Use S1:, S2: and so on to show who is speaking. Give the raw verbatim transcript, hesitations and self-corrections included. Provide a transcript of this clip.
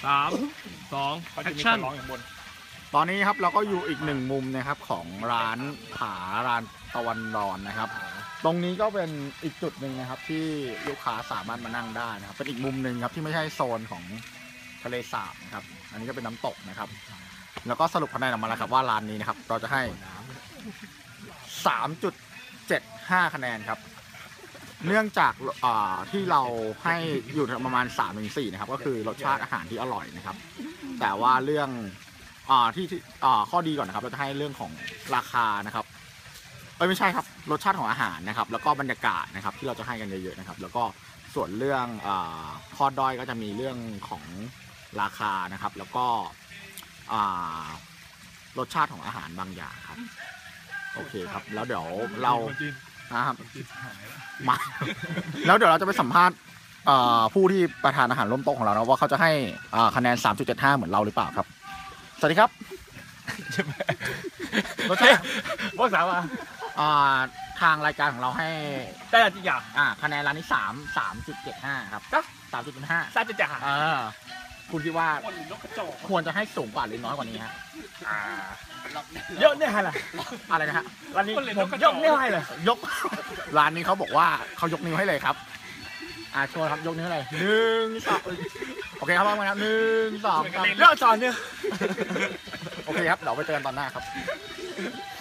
S1: สามสอง
S2: เขา
S1: แอ
S2: จะ
S1: ค
S2: มีค
S1: ชั่น
S2: นร้องอย่างบน
S3: ตอนนี้ครับเราก็อยู่อีกหนึ่งมุมนะครับของร้านผาร้านตะวันรอนนะครับ ตรงนี้ก็เป็นอีกจุดหนึ่งนะครับที่ลูกค้าสามารถมานั่งได้นะครับเป็นอีกมุมหนึ่งครับที่ไม่ใช่โซนของทะเลสาบนะครับอันนี้ก็เป็นน้ำตกนะครับ แล้วก็สรุปคะแนนออกมาแล้วครับว่าร้านนี้นะครับเราจะให้ สามจุดเจ็ดห้า คะแนนครับเนื่องจากที่เราให้อยู่ประมาณ สามถึงสี่ นะครับก็คือรสชาติอาหารที่อร่อยนะครับแต่ว่าเรื่องอ่าที่อ่าข้อดีก่อนนะครับเราจะให้เรื่องของราคานะครับเอ้ยไม่ใช่ครับรสชาติของอาหารนะครับแล้วก็บรรยากาศนะครับที่เราจะให้กันเยอะๆนะครับแล้วก็ส่วนเรื่องอ่าข้อด้อยก็จะมีเรื่องของราคานะครับแล้วก็อ่ารสชาติของอาหารบางอย่างครับโอเคครับแล้วเดี๋ยวเรานะครับมาแล้วเดี๋ยวเราจะไปสัมภาษณ์ผู้ที่ประทานอาหารร่วมโต๊ะของเรานะว่าเขาจะให้คะแนน สามจุดเจ็ดห้า เหมือนเราหรือเปล่าครับสวัสดีครับรสชาติ
S2: พวกสาวอ่ะ
S3: ทางรายการของเราให้
S2: ได้จริงอ่ะ
S3: อ่าคะแนนร้านนี้สามสามจุดเจ็ดห้าครับก็สามจุดห้า
S2: ซาจะจ่า
S3: เออคุณคิดว่า
S2: คนหรือนกกระจอก
S3: ควรจะให้สูงกว่าหรือน้อยกว่านี้ฮะ
S2: อ่าเยอะเนี่ยอะไร
S3: อะไรนะฮะ
S2: ร้านนี้ผมยกนิ้วให้เลย
S3: ยก ร้านนี้เขาบอกว่าเขายกนิ้วให้เลยครับอ่าโชว์ครับยกนิ้วให้เลยหนึ่งสองโอเคครับพร้อมกันครับหนึ่งสองสาม
S2: เลิกจอนเนี่ย
S3: โอเคครับเดี๋ยวไปเจอกันตอนหน้าครับ